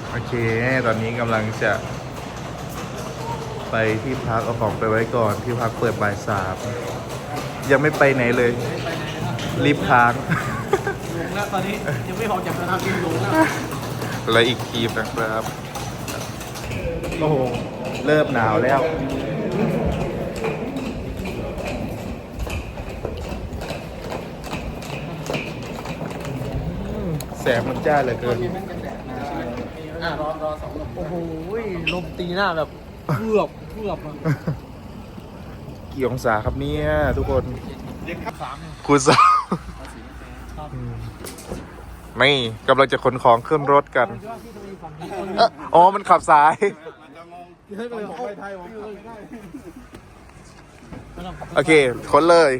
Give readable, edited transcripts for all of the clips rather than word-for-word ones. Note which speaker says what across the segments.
Speaker 1: โอเคตอนนี้กำลังจะไปที่พักเอาของไปไว้ก่อนที่พักเปิดบ่ายสามยังไม่ไปไหนเลยรีบค้าง
Speaker 2: หลงแล้วตอนนี้ยังไม่ออกจากสนามบินหลงแล้ว
Speaker 1: และอีกทีมนะครับโอ้โหเริ่มหนาวแล้วแสงมันจ้าเหลือเกิน
Speaker 2: รอสองลมโอ้โหลมตีหน้าแบบเกือบอ่ะ
Speaker 1: กี่องศาครับเนี่ยทุกคน
Speaker 2: เย็นครับ3
Speaker 1: คุณสาวนี่กำลังจะขนของขึ้นรถกันอ๋อมันขับสาย โอเคขนเลย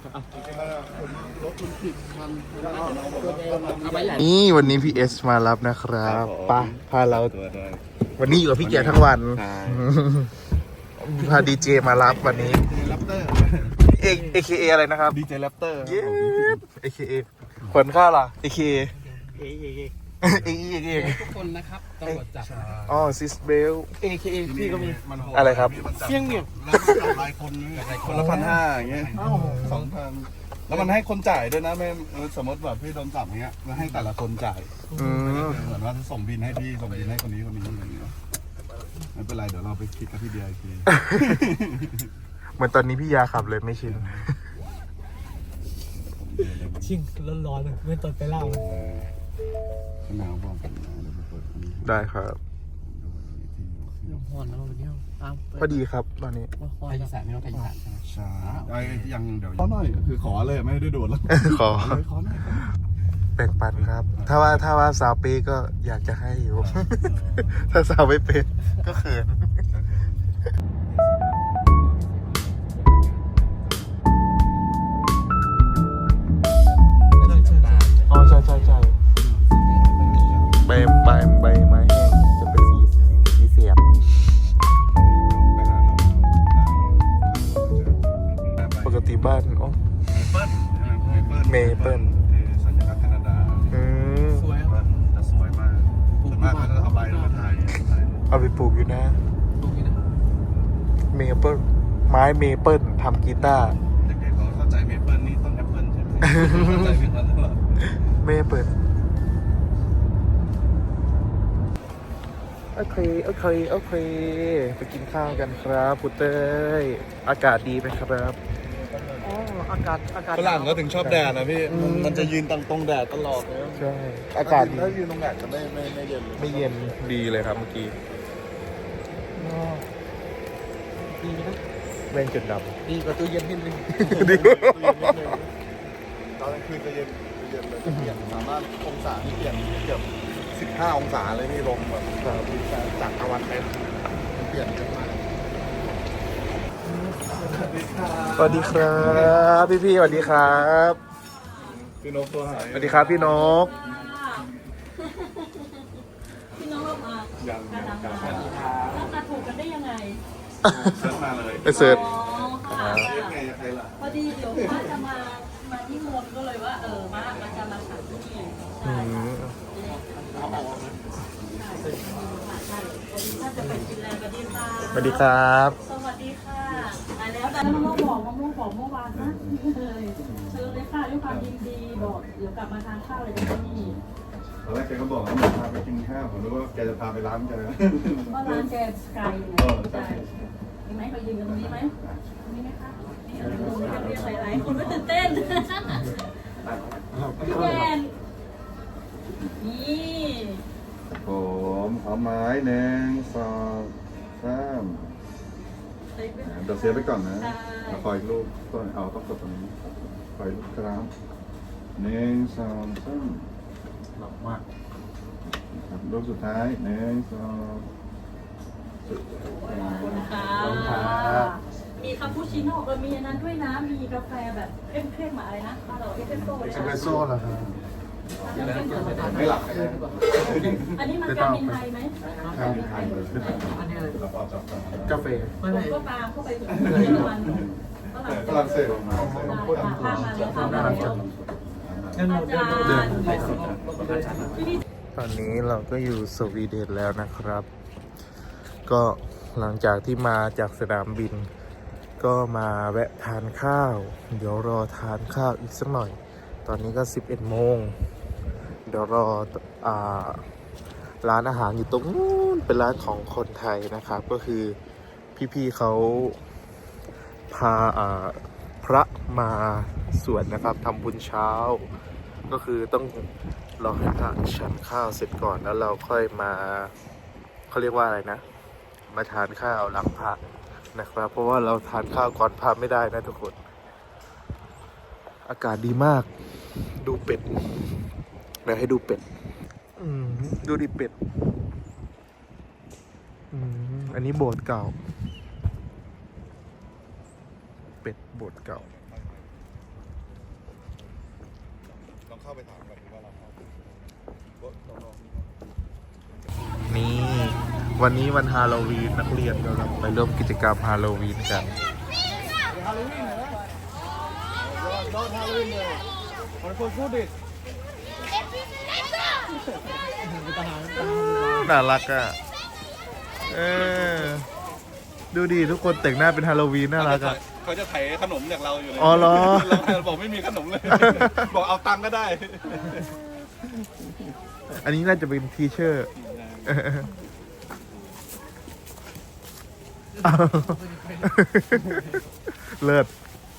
Speaker 1: นี่วันนี้พี่เอสมารับนะครับป่ะพาเราวันนี้อยู่กับพี่เกียร์ทั้งวันพาดีเจมารับวันนี้AKA อะไรนะครับ
Speaker 3: ดีเจแรปเตอร์
Speaker 1: เย้ AKA ขวัญข้าวล่ะ AKA
Speaker 2: เอ๊ะ
Speaker 1: AKA
Speaker 2: ทุกคนนะครับตำรวจจับ
Speaker 1: อ๋อซิสเบล
Speaker 2: AKA พี่ก็มี
Speaker 1: อะไรครับ
Speaker 2: เฟี้ยงเนี่ย
Speaker 3: แล้วมันหลายคนคนละ1,500อย่างเงี้ย2,000แล้วมันให้คนจ่ายด้วยนะไม่สมมติแบบพี่โดนจับอย่างเงี้ยมันให้แต่ละคนจ่าย เหมือนว่าส่งบินให้พี่ส่งบินให้คนนี้อย่างเงี้ยไม่เป็นไรเดี๋ยวเราไปคิดกับพี่เดียอีกที
Speaker 1: เหมือนตอนนี้พี่ยาขับเลยไม่ชิน
Speaker 2: ชิงร้อนๆเลยไม่ตอนไปเล่าเลย
Speaker 3: หนาวบอกกันนะเดี๋ยวไปเปิดอันนี้
Speaker 1: ได้ครับ
Speaker 2: หอนแล้ววันนี้อ้าว
Speaker 1: พอดีครับตอนนี้
Speaker 2: ไทยอีสานไม่ต้องไทยอีสานใช่ไหม
Speaker 3: ใช่ไอ้ยังเดี๋ยวขอหน่อยคือขอเลยไม่ได้โดดแล้ว
Speaker 1: ขอ
Speaker 3: ขอหน่อย
Speaker 1: แบ่งปันครับ ถ้าว่าสาวเป้ก็อยากจะให้อยู่ ถ้าสาวไม่เป็นก็เขินอ๋อใช่ใบไม้แห้งจะเป็นสีเสียบปกติบ้านอ๋อ เมเปิ้ล
Speaker 3: สัญลักษณ์แคนาดา
Speaker 2: สวย
Speaker 3: จะสวยมากส่วนมากเขาจะเอาใบมาถ่าย
Speaker 1: เอาไปปลูกอยู่นะ
Speaker 2: ตรงนี้นะ
Speaker 1: เมเปิลไม้เมเปิลทำกีตาร์
Speaker 3: เด็กๆเขาเข้าใจเมเปิ้ลนี่ต้นแอปเปิ้ลใช่ไหมเข้าใจเมเปิ้ลหรือเปล่า
Speaker 1: เมเปิลโอเคไปกินข้าวกันครับพุเต้ยอากาศดีไหมครับ
Speaker 2: อ๋ออากาศ
Speaker 3: ฝรั่งก็ถึงชอบแดดนะพี่มันจะยืนตรงแดดตลอดเลย
Speaker 1: ใช่อากาศดี
Speaker 3: ถ้ายืนตรงแดดจะไม่เย็น
Speaker 1: ไม่เย็นดีเลยครับเมื่อกี้
Speaker 2: ดีนะ
Speaker 1: เล่นจุดด
Speaker 2: ดีกว่าตู้เย็นนิดนึง
Speaker 1: ำดี
Speaker 3: ตอนกลางคืนจะเย็นเลยเปลี่ยนสามารถองศาที่เปลี่ยนเกือบ15 องศาเลยพี่ลงแบบจากตะวันเป็นเปลี่ยนเยอะมาก
Speaker 1: สวัสดีครับพี่สวัสดีครับ
Speaker 3: พี่นกตัวหาย
Speaker 1: สวัสดีครับพี่นก
Speaker 4: พี่น้องเรามาการทำงานแล้วมาถูกกันได้ยังไง
Speaker 3: เชิญมาเลย
Speaker 1: ไปเสิร์ช
Speaker 4: อ๋อค่ะ
Speaker 3: เรียกไงใครล่ะ
Speaker 4: พอดีเดี๋ยวว่าจะมาที่มนก็เลยว่ามาจะมาฉันที่นี่
Speaker 1: อื
Speaker 4: ใช่
Speaker 1: ม
Speaker 4: ใช่ถ้าจะไปกินแรงกันดีค่ะ
Speaker 1: สวัสดีครับ
Speaker 4: สวัสดีค่ะมาแล้วแต่มะม่วงบอกเมื่อวานนะเลยเชิญเลยค่ะด้วยความยินดีบอกเดี๋ยวกลับมาทานข้าวเลยที่นี่
Speaker 3: ตอนแรกแกก็บอกว่าพาไปกินข้าวผมนึกว่าแกจะพาไปร้านแก
Speaker 4: ว่าร้านแกไกลไงใช่มีไหมเขายืนกันตรงนี้ไหมตรงนี้ไหมคะนี่อะไรตรงนี้กันเรียกหลายๆคนไม่ตื่นเต้นพี่แกนนี่
Speaker 3: ผมเอาไม้1 2 3เดี๋ยวเซฟไปก่อนนะคอยลูกต้องกดตรงนี้คอยลูกครับ1 2 3
Speaker 1: หลับมาก
Speaker 3: ครับรูปสุดท้าย1 2
Speaker 4: ขอบคุณค่ะมีคาปูชิโน่มีอันนั้นด้วยนะมีกาแฟแบบเข้มๆอะไรนะบ้านเราเอสเปรสโซ่
Speaker 1: เอสเปรสโซ่เหรอครับ
Speaker 3: ไม่หลับ
Speaker 4: อันนี้มันกามินไทยไหม
Speaker 3: ไทยเลยขึ้นไป
Speaker 2: อันนี้อะไร
Speaker 3: เราพอจับกัน
Speaker 1: กาแฟ
Speaker 4: ผมก็ตามเข้าไปถึงเยอรมัน
Speaker 3: ฝรั่งเศส
Speaker 4: ข้ามมาแล้วข้ามมาแล้ว
Speaker 2: งั้นเราเดิน
Speaker 4: อาจารย์ที่นี่
Speaker 1: ตอนนี้เราก็อยู่สวีเดนแล้วนะครับ ก็หลังจากที่มาจากสนามบิน ก็มาแวะทานข้าว เดี๋ยวรอทานข้าวอีกสักหน่อย ตอนนี้ก็ 11 โมง เดี๋ยวรอร้านอาหารอยู่ตรงนู้นเป็นร้านของคนไทยนะครับ ก็คือพี่ๆเขาพาพระมาสวดนะครับทำบุญเช้า ก็คือต้องรอให้พระฉันข้าวเสร็จก่อนแล้วเราค่อยมาเขาเรียกว่าอะไรนะ มาทานข้าวหลังพระนะครับ เพราะว่าเราทานข้าวก่อนพระไม่ได้นะทุกคน อากาศดีมากดูเป็ดเดี๋ยวให้ดูเป็ดดูดิเป็ดอันนี้โบสถ์เก่าเป็ดโบสถ์เก่า
Speaker 3: ลองเข้าไปถามแบบว่าเราเข้า
Speaker 1: นี่วันนี้วันฮาโลวีนนักเรียนกำลังไปร่วมกิจกรรมฮาโลวีนกัน
Speaker 3: ฮาโลวีนเหรอโดนฮาโลวีนเลยคนพูดดิ
Speaker 1: น่ารักอ่ะดูดิทุกคนแต่งหน้าเป็นฮาโลวีนน่ารักอ่ะ
Speaker 3: เขาจะไถขนมจากเราอยู่เลย
Speaker 1: อ๋อเหรอ
Speaker 3: เราบอกไม่มีขนมเลย บอกเอาตังค์ก็ได้
Speaker 1: อันนี้น่าจะเป็นทีเชอร์เลิศ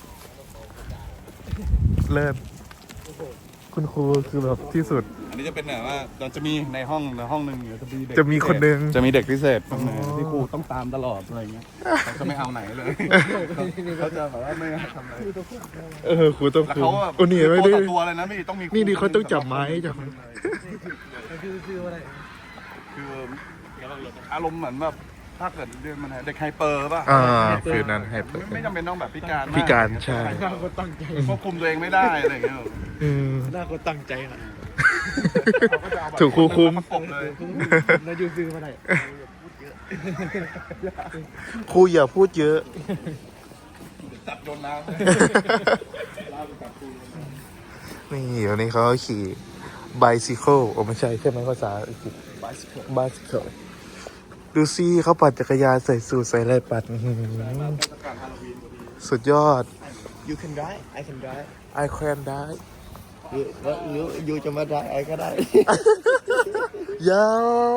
Speaker 1: คุณครูคือแบบที่สุด
Speaker 3: อันนี้จะเป็นแบบว่าเราจะมีในห้องหนึ่งจะมีเด็ก
Speaker 1: จะมีคนหนึ่ง
Speaker 3: จะมีเด็กพิเศษคนหนึ่งที่ครูต้องตามตลอดอะไรเงี้ยเขาจะไม่เอาไหนเลยเขาจะแบบว่าไม่ทำอะไร
Speaker 1: ครูต้อง
Speaker 3: แล้ว
Speaker 1: คุม
Speaker 3: เขาแบบ
Speaker 1: โอ้นี่ไม่
Speaker 3: ตัว
Speaker 1: ได้
Speaker 3: ต่อตัวเลยนะไม่ต้องมีครู
Speaker 1: นี่เขาต้องจับไม้จับ
Speaker 2: คืออะไร
Speaker 3: คืออารมณ์เหมือนแบบถ้าเกิดเรียนมันเด็กไฮเปอร์ป่ะ
Speaker 1: คือนั้นให้เปิด
Speaker 3: ไม่จำเป็นต้องแบบพิการม
Speaker 1: พิการใช่
Speaker 2: หน้าคนตั้งใจ
Speaker 3: ควบคุมตัวเองไม่ได้อะไรเงี้ย
Speaker 2: หน้าคนตั้งใจอ่ะ
Speaker 1: ถูกครูคุม
Speaker 3: ประกบเลย
Speaker 2: แล้วยูซื้อมาไหน
Speaker 1: ครูอย่าพูดเยอะ
Speaker 3: จับโยนน้ำ
Speaker 1: นี่เดี๋ยวนี้เขาขี่ bicycle โอ้ไม่ใช่ใช่ไหมภาษาอังกฤษ bicycle ดูซิเขาปั่นจักรยานใส่สูทใส่อะไรปั่นสุดยอด
Speaker 2: You can drive I can drive
Speaker 1: I can die
Speaker 2: ยูจะมาได้ไอ้ก็ได้
Speaker 1: ยา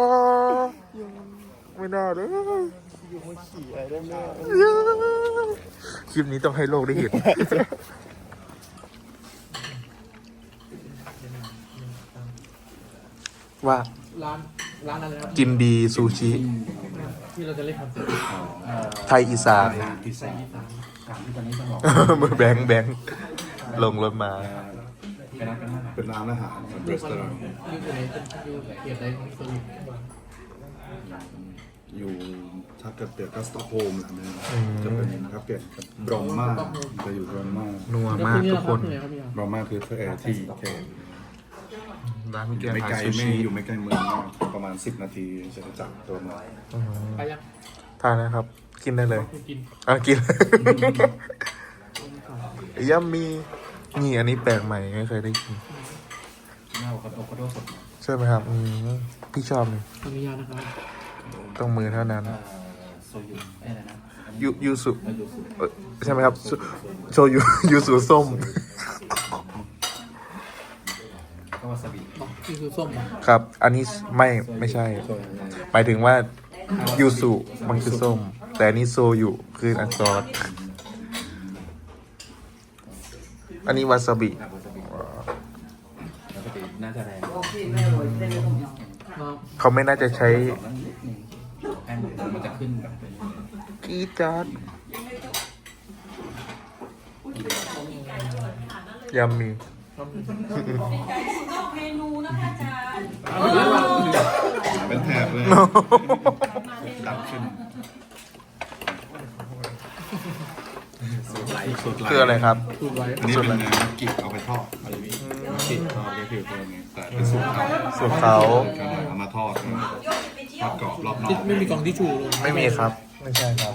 Speaker 1: ไม่น่าเลย
Speaker 2: ยูมาขี่ไอ้ได้ไหม
Speaker 1: คลิปนี้ต้องให้โลกได้เห็น ว่า
Speaker 2: ร้านอะไรนะ
Speaker 1: จินดีซูชิ
Speaker 2: ที่เราจะเล่นคอนเสิร์ต
Speaker 1: ไทยอีสานมือแบงค์ลงรถมา
Speaker 3: เป็นร้านอาหารรีสอร์ท
Speaker 2: ยูอยู่ในยูเกียรติใดของสวิต
Speaker 3: อยู่ถ้าเกิดเปรียบก็สต็อกโฮล์มจะเป็นถ้าเปรียบบรอมมาจะอยู่บรอมมา
Speaker 1: นัวมากทุกคน
Speaker 3: บรอมมาคือที่เขต
Speaker 1: ร้านมิเกล
Speaker 3: ไม่
Speaker 1: ฮา
Speaker 3: ไกล
Speaker 1: ซู
Speaker 3: ไม่
Speaker 1: ชิ
Speaker 3: อยู่ไม่ไกลเมืองมากประมาณ10 นาทีจะจับตัวมา
Speaker 2: ไปยัง
Speaker 1: ทานนะครับ กินได้เลย
Speaker 2: กิน
Speaker 1: กิน ยัมมีนี่อันนี้แปลกใหม่ไม่เคยได้กินใช่ไหมครับพี่ชอบเลย
Speaker 2: ขออนุญาตนะครับ
Speaker 1: ต้องมือเท่านั้นยูสุใช่ไหมครับโชยุยูสุส้ม
Speaker 2: นี่คือส้ม
Speaker 1: ครับ อันนี้ไม่ใช่ หมายถึงว่ายูสุมันคือส้ม แต่อันนี้โซยุคืออันซอสอันนี้วาซาบิ
Speaker 5: น่าจะแรง
Speaker 1: เขาไม่น่าจะใช้
Speaker 5: แอนมันจะขึ้นแบบ
Speaker 1: กีจาร์ดยัมมี
Speaker 4: นอกเมนูนะคะอาจารย์
Speaker 3: เป็นแถบเลยดับขึ้นสูตรไหล
Speaker 1: คืออะไรครับ
Speaker 3: อันนี้เป็นกิบเอาไปทอดอะไรนี้กิบทอดก็คือตัวนี้แต่เป็นสูตรเขา
Speaker 1: สูตรเขา
Speaker 3: เอามาทอดทอดกรอบรอบนอก
Speaker 2: ไม่มีกล่องที่ชูลง
Speaker 1: ไม่มีครับ ไม่ใช่ครับ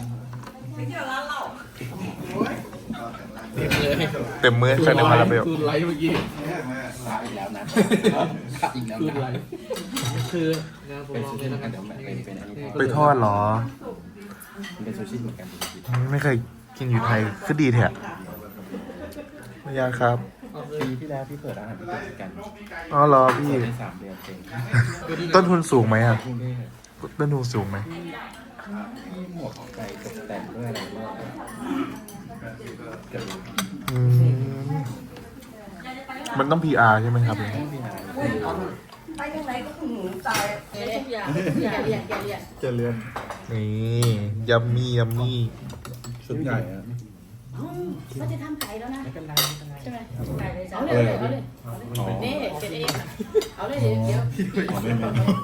Speaker 2: เลย
Speaker 1: เต็มมือใครในมาราเบล
Speaker 2: คือไลท์เมื่อกี้
Speaker 5: อีกแล้วนะขาดอีกแล้ว
Speaker 2: คืออะไร
Speaker 5: นะ
Speaker 2: คืองานผม
Speaker 5: เป็น
Speaker 2: ลอง
Speaker 5: ซู
Speaker 2: เล
Speaker 5: ชิ
Speaker 2: ย
Speaker 5: เหมื
Speaker 2: นะ
Speaker 5: อน
Speaker 2: ค
Speaker 5: กั
Speaker 2: รั
Speaker 5: น
Speaker 2: บ
Speaker 5: เดี๋ยวเป็นอันนี้
Speaker 1: ไปทอดเหรอ
Speaker 5: มันเป็นซูชิเหมือนกัน
Speaker 1: ไม่เคยกินอยู่ไทยคือดีแท้ไม่ยากครับ
Speaker 5: ปีที่แล้วพี่เปิดร้านอาหารญี่ปุ่นกัน
Speaker 1: อ๋อเหรอพี่
Speaker 5: เปิดได้3 เดือนเอง
Speaker 1: ต้นทุนสูงไหมอ่ะ
Speaker 5: กรุงเทพ
Speaker 1: ต้นทุนสูงไหม
Speaker 5: ที่หมวกไก่ตกแต่งด้วยอะไรด้วยเกือบ
Speaker 1: อืมมันต้อง PR ใช่ไหมครับ
Speaker 5: ไม่มีอะไร
Speaker 6: ไปยังไงก็หูตาย
Speaker 4: ทุกอย่างอย่าเรียนอย่าเรียน
Speaker 3: จะเลื่อน
Speaker 1: นี่ยัมมี่ยัมมี่
Speaker 3: ชุดใหญ่อะ
Speaker 4: ก็จะทำไก่แล้วนะ
Speaker 5: ไม่เป็นไรไม่เป็นไร
Speaker 4: ใช่ไหมไก่เลยเอาเลยเอาเลยนี่เป็นเองเอาเลยเดี๋ยว
Speaker 5: ไม่เป็นไร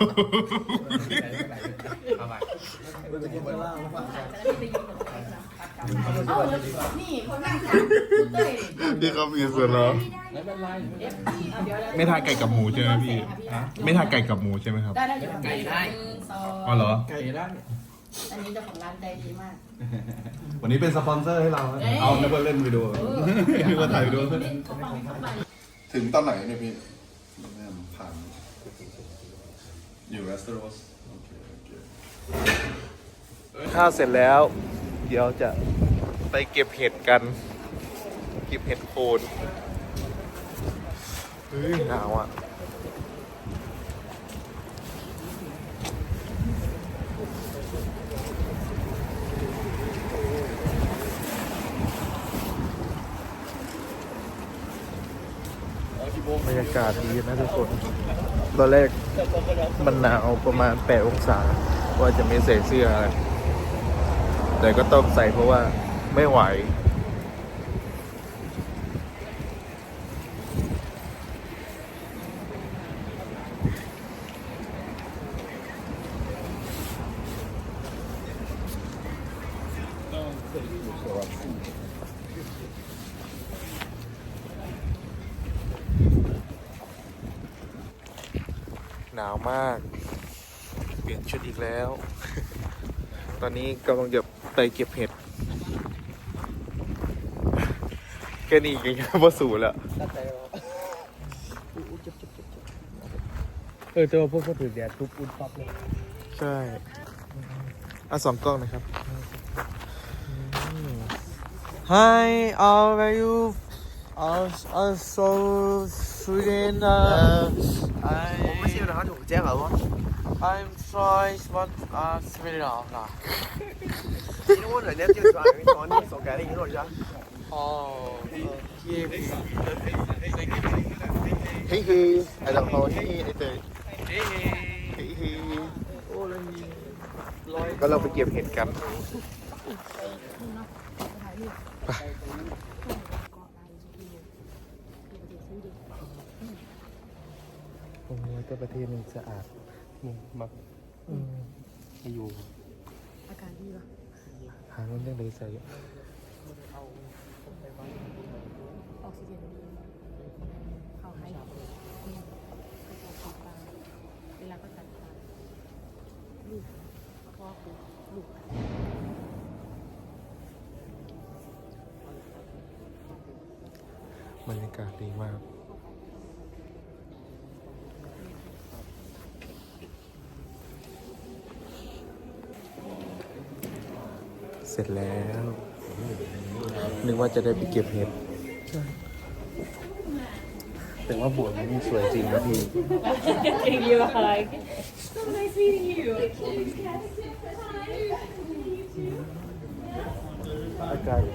Speaker 5: เอาไป
Speaker 4: เอาเลยนี่คนนั่งจับเต้ย
Speaker 1: ที่เขามีส่วนเหรอ
Speaker 5: ไม่เป็นไร
Speaker 1: ไม่ทานไก่กับหมูใช่ไหมพี่ ไม่ทานไก่กับหมูใช่ไหมครับ
Speaker 4: ได้อยู่ไก่ได้สอง
Speaker 1: อ๋อเหรอ
Speaker 5: ไก่ได้
Speaker 4: อันนี้เจ้าของร้านใจดีมาก
Speaker 3: วันนี้เป็นสปอนเซอร์ให้เรานะเอานึกว่าเล่นวิดีโอนึกว่าถ่ายวิดีโอถึงตอนไหนเนี่ยพี่ผ่านอยู่เวสเตอร์โรสโอเคโอเค
Speaker 1: ข้าวเสร็จแล้ว เดี๋ยวจะไปเก็บเห็ดกัน เก็บเห็ดโคนเฮ้ยหนาวอ่ะ บรรยากาศดีนะทุกคน ตอนแรกมันหนาวประมาณ8 องศา ว่าจะไม่ใส่เสื้ออะไร แต่ก็ต้องใส่เพราะว่าไม่ไหว หนาวมาก เปลี่ยนชุดอีกแล้ว ตอนนี้กำลังจะไปเก็บเห็ด แค่นี้ยังพอสูแล้ว
Speaker 2: ตัดใจแล้วแต่ว่าพวกถือแดดทุบอุดปั๊บเลย
Speaker 1: ใช่เอา2 กล้องนะครับ
Speaker 2: Hi how are you so Sweden I
Speaker 6: ไม่ใช่นะครับถูกแจ้งเหรอวะ
Speaker 2: I'm sorry what Sweden 啦
Speaker 6: 因为我人家就说你说你手改了以后就
Speaker 2: 哦
Speaker 1: เฮ้ยเฮ้ยไอ้ดอกเขาเฮ้ยไอ้เตยเฮ้ยเฮ้ยก็เราไปเก็บเห็ดกัน ตรงนี้ก็ประเทศหนึ่งสะอาดมากไม่อยู่
Speaker 4: อากาศดีป่ะ
Speaker 1: หาเงินยังได้ใส่
Speaker 4: ออกซิเจนดีเขาให้เวลาก็ตัดลูกพ่อคือลูก
Speaker 1: บรรยากาศดีมาก เสร็จแล้ว นึกว่าจะได้ไปเก็บเห็ดแต่ว่าบวชนี่สวยจริงนะพี่
Speaker 4: Thank you like so nice meeting you
Speaker 1: อากาศ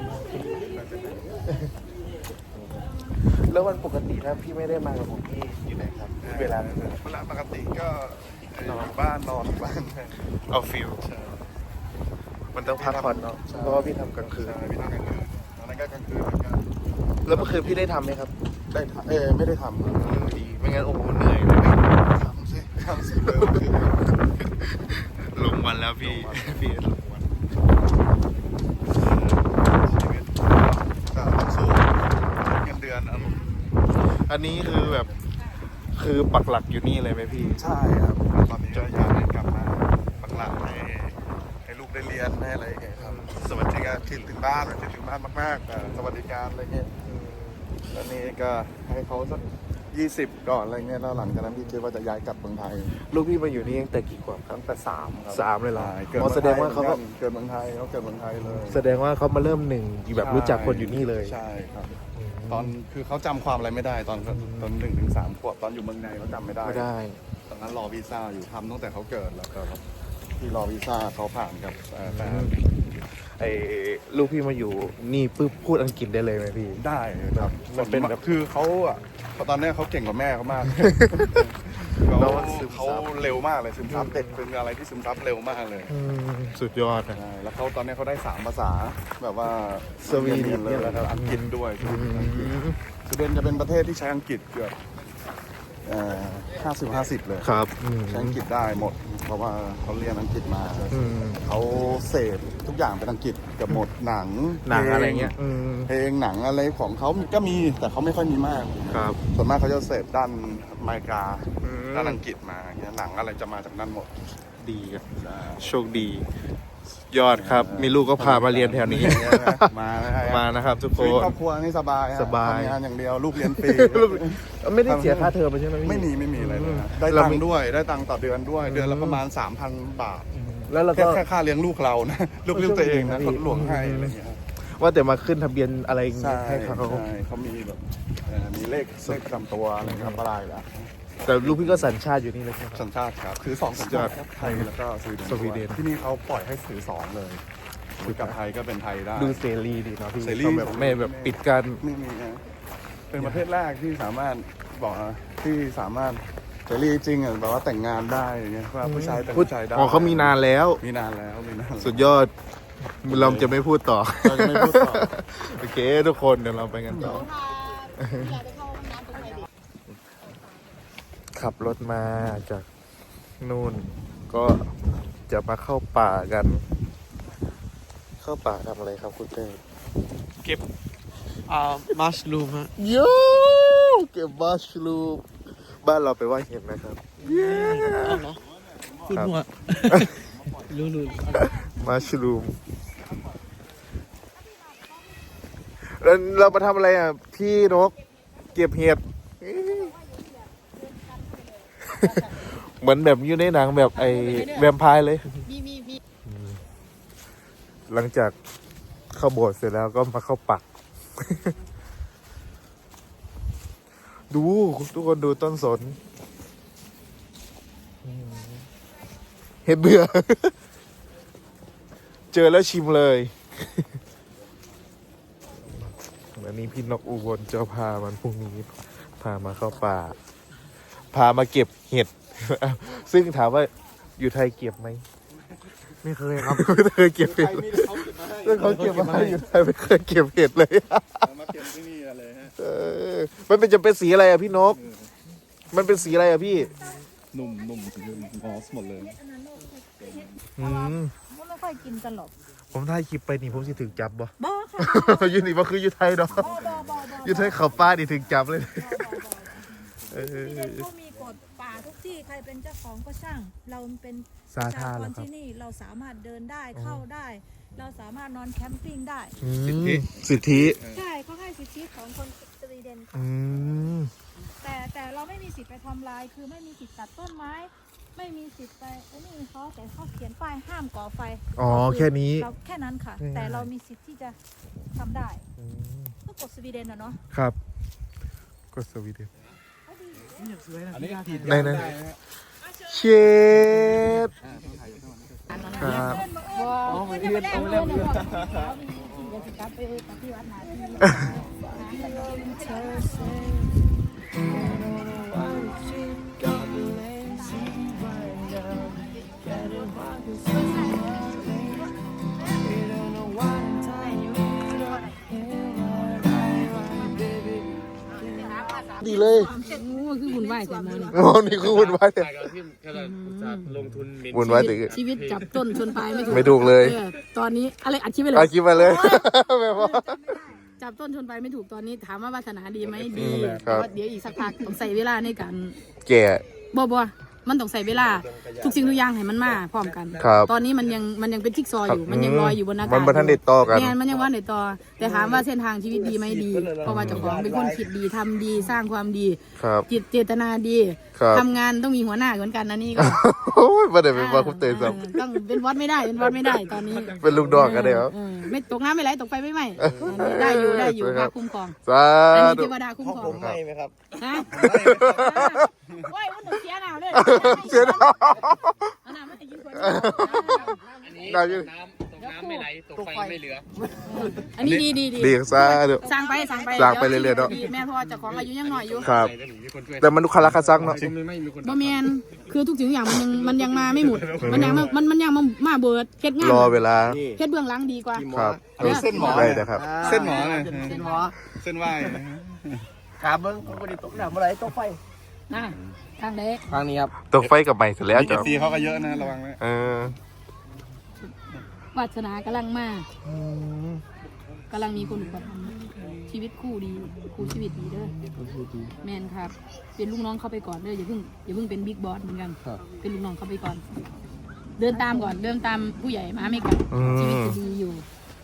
Speaker 1: แล้ววันปกติถ้าพี่ไม่ได้มากับผมพี่อยู่ไหนครับ เวลา
Speaker 3: ปกติก็นอนบ้านนอนบ้าน
Speaker 1: เอาฟิลมันต้องพักผ่อนเนาะเพราะว่าพี่ทำกลางคืน
Speaker 3: ใช่พี่ทำกลางคืนตอนนั้นก็กลางคืนเหมือนกัน
Speaker 1: แล้วเมื่อคืนพี่ได้ทำไหมครับ
Speaker 3: ได้ทำไม่ได้ทำ
Speaker 1: ดีไม่งั้นโอ้โหเหนื่อยเลย
Speaker 3: ทำสิเมื่อคืน
Speaker 1: ลงวันแล้วพี่ พี่ลงวัน
Speaker 3: ชีวิตก็ต้องสู้เงินเดือนครับผม
Speaker 1: อันนี้คือแบบคือปักหลักอยู่นี่เลยไหมพี่
Speaker 3: ใช่ครับตอนนี้ก็อยากให้กลับมาปักหลักให้ลูกได้เรียนให้อะไรอย่างเงี้ยครับสวัสดิการคิดถึงบ้านคิดถึงบ้านมากๆสวัสดิการอะไรเงี้ยตอนนี้ก็ให้เขาสัก 20 ก่อนอะไรเงี้ยแล้วหลังจากนั้นพี่คิดว่าจะย้ายกลับเมืองไทย
Speaker 1: ลูกพี่มาอยู่นี่ตั้งแต่กี่ขวบครับ
Speaker 3: ตั้งแต่3ครับ
Speaker 1: 3เลยเหรอ
Speaker 3: เกิด
Speaker 1: อ๋อแสดงว่าเขาก็
Speaker 3: เกิดเมืองไทยเขาเกิดเมืองไทยเลย
Speaker 1: แสดงว่าเขามาเริ่มหนึ่งแบบรู้จักคนอยู่นี่เลย
Speaker 3: ใช่ครับ ตอนคือเขาจำความอะไรไม่ได้ตอน1 ถึง 3 ขวบตอนอยู่เมืองในเขาจำไม่ได้
Speaker 1: ไม่ได้
Speaker 3: ตอนนั้นรอวีซ่าอยู่ทำตั้งแต่เขาเกิดแล้วก็ที่รอวีซ่าเขาผ่านกับแฟน
Speaker 1: ไอ้ลูกพี่มาอยู่นี่ปุ๊บพูดอังกฤษได้เลยไหมพี่
Speaker 3: ได้ครับ
Speaker 1: มันเป็นแบบ
Speaker 3: คือเขาอ่ะตอนนี้เขาเก่งกว่าแม่เขามาก
Speaker 1: แล้วมันซึมซับ
Speaker 3: เขาเร็วมากเลยซึมซับเด็กเป็นอะไรที่ซึมซับเร็วมากเลย
Speaker 1: สุดยอดนะ
Speaker 3: ใช่แล้วเขาตอนนี้เขาได้3 ภาษาแบบว่า
Speaker 1: สวีเดน
Speaker 3: เลยแล้วก็อังกฤษด้วยสวีเดนจะเป็นประเทศที่ใช้อังกฤษเกือบ50-50 เลย
Speaker 1: ครับ
Speaker 3: ใช้อังกฤษได้หมด เพราะว่าเขาเรียนอังกฤษมา เขาเสพทุกอย่างเป็นอังกฤษเกับหมดหนัง
Speaker 1: หนังอะไรเงี้ย
Speaker 3: เพลงหนังอะไรของเขาก็มีแต่เขาไม่ค่อยมีมาก
Speaker 1: ครับ
Speaker 3: ส่วนมากเขาจะเสพด้านอเมริกา
Speaker 1: อืม
Speaker 3: ด้านอังกฤษมาอย่างเงี้ยหนังอะไรจะมาจากนั่นหมด
Speaker 1: ดีครับโชคดี ยอดครับ มีลูกก็พามาเรียนแถวนี้
Speaker 3: มานะฮะ
Speaker 1: มานะครับทุกค
Speaker 3: ชีวิต
Speaker 1: น
Speaker 3: ครอบครัวนี่สบายฮะ
Speaker 1: สบาย
Speaker 3: ทำงานอย่างเดียวลูกเรียนฟรี
Speaker 1: ไม่ได้เสียค่าเทอมใช่ไหมพี่
Speaker 3: ไม่มีอะไรเลยนะได้
Speaker 1: เรา
Speaker 3: ตัง
Speaker 1: มี
Speaker 3: ค์ด้วยได้ตังค์ต่อเดือนด้วยเดือนละประมาณ 3,000 บาท
Speaker 1: แล้วเรา
Speaker 3: แค่
Speaker 1: ก็
Speaker 3: แค่ค่าเลี้ยงลูกเรานะ ลูกเลี้ยงตัวเองนะ
Speaker 1: พี่
Speaker 3: คนหลวงให้อะไรอย่างเงี้ย
Speaker 1: ว่าแต่มาขึ้นทะเบียนอะไรอย่าง
Speaker 3: ใช่
Speaker 1: เงี้ยให้เขา
Speaker 3: ใช่เขามีแบบมีเลขประจำตัวอะไรครับอะไรแล้ว
Speaker 1: แต่ลูกพี่ก็สัญชาติอยู่นี่เลยใช่ไหมครับ
Speaker 3: สัญชาติครับถือ2 สัญชาติครับไทยแล้วก็สวีเดน
Speaker 1: สวีเดน
Speaker 3: ที่นี่เขาปล่อยให้ถือ2เลยถือกับไทยก็เป็นไทยได้
Speaker 1: ดูเสรีดีเนาะพี่
Speaker 3: เสรี
Speaker 1: เขาแบบไม่แบบปิดกัน
Speaker 3: ไม่มีนะเป็นประเทศแรกที่สามารถบอกนะที่สามารถเสรีจริงอ่ะแบบว่าแต่งงานได้อย่างเงี้ยว่าผู้ชายแต่งผู้ชายได้
Speaker 1: อ๋อเขามีนานแล้ว
Speaker 3: มีนานแล้วมีนานแล้ว
Speaker 1: สุดยอด เราจะไม่พูดต่อ
Speaker 3: เราจะไม่พูดต่อ
Speaker 1: โอเคทุกคนเดี๋ยวเราไปกันต่อ ขับรถมาจากนู่น ก็จะมาเข้าป่ากัน เข้าป่าทำอะไรครับคุณเต้
Speaker 2: เก็บมัชลูมฮะ
Speaker 1: โยเก็บมัชลูมบ้านเราไปว่าเห็นไหมครับ
Speaker 2: พูดหัวรู้
Speaker 1: มัชลูมแล้วเรามาทำอะไรอ่ะ พี่นก เก็บเห็ด เหมือนแบบอยู่ในหนังแบบไอ้แวมไพร์เลย หลังจากเข้าโบสถ์เสร็จแล้วก็มาเข้าปัก ดูทุกคนดูต้นสน เห็ดเบื่อ เจอแล้วชิมเลย วันนี้พี่นกอุบลเจ้าพามันพรุ่งนี้พามาเข้าป่า พามาเก็บเห็ด ซึ่งถามว่าอยู่ไทยเก็บไหม
Speaker 2: ไม่เคยครับ
Speaker 1: ไม่เคยเก็บเห็ดเลยแล้วเขาเก็บมาให้อยู่ไทยไม่เคยเก็บเห็ดเลย
Speaker 3: มาเก็บที่นี่เลยฮะ
Speaker 1: มันเป็นจะเป็นสีอะไรอ่ะพี่นก มันเป็นสีอะไรอ่ะพี่
Speaker 3: นุ่มมอสหมดเลย
Speaker 4: ไม่ค่อยกินกันหรอก
Speaker 1: ผมถ่ายคลิปไปนี่ผมสิถึงจับบ่
Speaker 4: บ่ค่ะ
Speaker 1: อยู่นี่บ่คืออยู่ไทยเนาะ
Speaker 4: บ่
Speaker 1: อยู่ไทยเขาป้านี่ถึงจับเลย
Speaker 4: ที่นั่นเขามีกฎป่าทุกที่ใครเป็นเจ้าของก็ช่าง เราเป็น
Speaker 1: สาธารณะ
Speaker 4: ประชก
Speaker 1: ครับ
Speaker 4: ที่นี่เราสามารถเดินได้เข้าได้ เราสามารถนอนแคมปิ้งได้
Speaker 1: สิทธิ
Speaker 4: ใช่เขาให้สิทธิของคนสวีเดนค่ะ
Speaker 1: อืม
Speaker 4: แต่เราไม่มีสิทธิ์ไปทำลายคือไม่มีสิทธิ์ตัดต้นไม้ ไม่มีสิทธิ์ไปไอ้นี่เขาแต่เขาเขียนป้ายห้ามก่อไฟ
Speaker 1: อ๋อแค่นี้
Speaker 4: เราแค่นั้นค่ะ
Speaker 1: ง่ายๆ
Speaker 4: แต่เรามีสิทธิ์ที่จะทำได้ก็กฎสวีเดนอะเนาะ
Speaker 1: ครับ ก็สวีเดน
Speaker 3: อันนี้
Speaker 1: ไหนเชฟครับ
Speaker 4: อ๋อไม่ได้เอาเล่มเดี๋ยวจะกลับไปปฏิวัติหน้าที่
Speaker 1: ดีเลย
Speaker 7: คือบุญไหวแต่มอนี่
Speaker 1: โอ้นี่คือวุ่นวายแต่
Speaker 2: ที่แค่ลงทุน
Speaker 1: วุ่นวายแต่
Speaker 7: ชีวิตจับต้นชนปลายไม่ถูก
Speaker 1: ไม่ถูกเลย
Speaker 7: ตอนนี้อะไรอัดคลิปไปเล
Speaker 1: เอา
Speaker 7: ย
Speaker 1: คลิปมาเลยแบบว่า
Speaker 7: จับต้นชนปลายไม่ถูกตอนนี้ถามว่าวาสนาดีไหมดี
Speaker 1: ครับ
Speaker 7: แต่ว่าเดี๋ยวอีกสักพักต้องใส่เวลาในการ
Speaker 1: แก่
Speaker 7: บ่มันต้องใส่เวลาทุกสิ่งทุกอย่างให้มันมาพร้อมกัน
Speaker 1: ครับ
Speaker 7: ตอนนี้มันยังเป็นจิ๊กซอว์อยู่มันยังลอยอยู่บนอากาศ
Speaker 1: มันบ่ทันได้ต่อกัน
Speaker 7: เนี่ยมันยังว่าในต่อแต่ถามว่าเส้นทางชีวิตดีไหมดี เพราะว่าเจ้าของเป็นคนคิดดีทำดีสร้างความดี
Speaker 1: ครับ
Speaker 7: จิตเจตนาดี
Speaker 1: ครับ
Speaker 7: ทำงานต้องมีหัวหน้าเหมือนกันนะนี่ก็
Speaker 1: โอ้ยบ่ได้เป็นว่าคุณเตยซ้ำ
Speaker 7: ต้องเป็นวัดไม่ได้เป็นวัดไม่ได้ตอนนี้
Speaker 1: เป็นลูกดอกกันได้เหรอ
Speaker 7: ไม่ตกน้ำไม่ไหลตกไฟไม่ไหม้อันนี้ได้อยู่
Speaker 1: ครั
Speaker 7: พา
Speaker 1: บ
Speaker 7: คุ้มครอง
Speaker 1: สา
Speaker 7: อันนี้
Speaker 1: ธุ
Speaker 7: เทวดาคุ้ม
Speaker 6: ห้อง
Speaker 7: คร
Speaker 6: ผ
Speaker 7: อง
Speaker 6: มให้ไหมครับ
Speaker 7: ฮะว้ายมันถึงเสียหนาวเลย
Speaker 1: เสียดาย
Speaker 7: เอาน้ำมาให้กินคน
Speaker 2: อันนี้
Speaker 1: ได้อยู่
Speaker 2: ตกน้ำไม่ไหลตกไฟไม่เหลือ
Speaker 7: อันนี้ดี
Speaker 1: ดีซะเดี๋ยว
Speaker 7: สร้างไป
Speaker 1: สร้างไปเรื่อยๆเนอะ
Speaker 7: แม่พ่อเจ้าของอายุยังน้อยอยู่
Speaker 1: ครับ
Speaker 2: มีคนช่วย
Speaker 1: แต่มันดูคาราคาซังเนาะ
Speaker 2: ไม่มีคน
Speaker 7: บ่แมนคือทุกสิ่งทุกอย่างมันยังมาไม่หมดมันยังมาเบิดเฮ็ดงาน
Speaker 1: รอเวลา
Speaker 7: เฮ็ดเบื้องหลังดีกว่า
Speaker 1: ครับ
Speaker 3: อันนี้เส้นหมอ
Speaker 1: ได้นะครับ
Speaker 3: เส้นหมอเลย
Speaker 6: เส้นหมอ
Speaker 3: เส้นไหว
Speaker 6: ขาเบิ้งเขาไม่ได้ตกน้ำอะไรตกไฟ
Speaker 7: นะทางใด
Speaker 6: ทางนี้ครับ
Speaker 1: ตกไฟกับใหม่เสร็จแล้ว
Speaker 3: เอ
Speaker 1: จ้ะ
Speaker 3: ฟซีเขาก็เยอะนะระวังไว้
Speaker 1: เออ
Speaker 7: วาสนากำลังมากำลังมีคนอุปถัมภ์ชีวิตคู่ดีคู่ชีวิตดีเด้อแมนครับเป็นลูกน้องเข้าไปก่อนเด้ออย่าเพิ่งเป็นบิ๊กบอสเหมือนกันเป็นลูกน้องเข้าไปก่อน เดินตามก่อนเดินตามผู้ใหญ่มาไม่ไกลชีวิตจะดีอยู่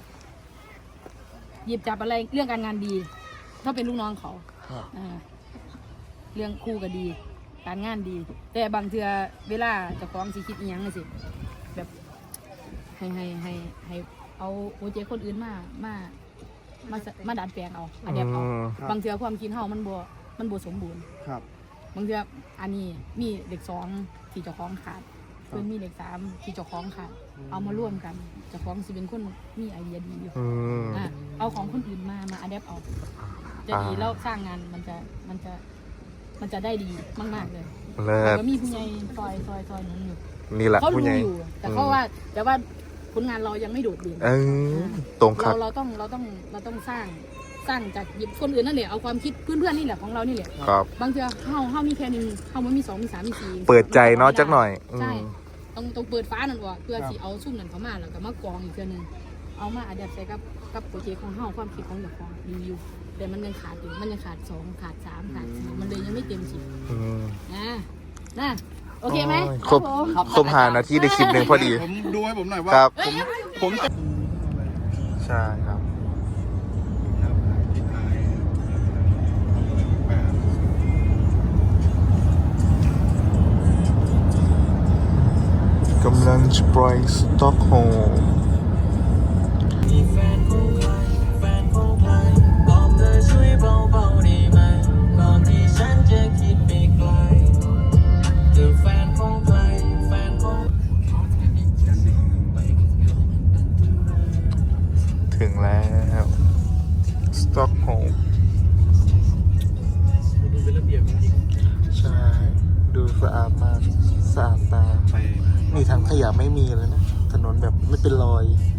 Speaker 7: หยิบจับอะไรเรื่องการงานดี ถ้าเป็นลูกน้องเขาเรื่องคู่ก็ดี การงานดี แต่บางเทื่อเวลาเจะฟ้าของสิคิดอีหยังน่ะสิแบบให้เอาโปรเจกต์คนอื่นมาดัดแปลงเอาอันเดียเอาบางเทื่อความคิดเฮามันบ่สมบูรณ์
Speaker 6: ครับ
Speaker 7: บางเทื่ออันนี้มีเด็ก2ที่เจ้าของขาดเพิ่นมีเด็ก3ที่เจ้าของขาดเอามาร่วมกันเจ้าของสิเป็นคนมีไอเดียดีอยู่ เอาของคนอื่นมาอัดแอปเอาจะดีแล้วสร้างงานมันจะได้ดีมากๆเลย
Speaker 1: เลิศ
Speaker 7: ก็มีผู้ใหญ่ซอยหนุนอยู่
Speaker 1: นี่แหละ
Speaker 7: เขา
Speaker 1: ผู้
Speaker 7: ดู
Speaker 1: ใหญ่
Speaker 7: อยู่แต่ว่าผลงานเรายังไม่โดดเด่น
Speaker 1: เออตรงครับ
Speaker 7: เราต้องสร้างจากหยิบคนอื่นนั่นแหละเอาความคิดเพื่อนๆนี่แหละของเรานี่แหละ
Speaker 1: ครับ
Speaker 7: บางเทื่อเฮามีแค่หนึงเฮามันมี2มี3มี4
Speaker 1: เปิดใจเนาะจักหน่อยอืม
Speaker 7: ใช่ต้องเปิดฟ้านั่นออกเพื่อสิเอาซุ่มนั่นเข้ามาแล้วก็มากองอีกเทื่อนึงเอามาอัดแอปใส่กับโปรเจกต์ของเฮาความคิดของเจ้าของดีอยู่แต่มันยังขาดอยู่มันยังขาด2ขาด3ขาด4มันเลยยังไม่เต็ม10
Speaker 1: อืม
Speaker 7: นะโอเคไหม
Speaker 1: โอ้ยครบ
Speaker 7: ผม
Speaker 1: ครบ5 นาทีได้คลิปหนึ่งพอดี
Speaker 3: ผมดูให้ผมหน่อยว่า
Speaker 1: ครับ
Speaker 3: ผมจะ
Speaker 1: ใช่ครับ กำลังจะปล่อยสต็อกโฮล์ม
Speaker 8: มีแฟนของใครแฟนของใครบอกเธอช่วยเบาๆได้ไหมก่อนที่ฉันจะคิดไปไกลเธอแฟนของใครแฟนของ
Speaker 1: ถึงแล้วสต็อกโฮล์ม
Speaker 2: ดูเป็นระเบียบจริง
Speaker 1: ใช่ ดูสะอาดมาก สะอาดตา
Speaker 3: ไป
Speaker 1: นี่ทางขยะไม่มีเลยนะ ถนนแบบไม่เป็นรอย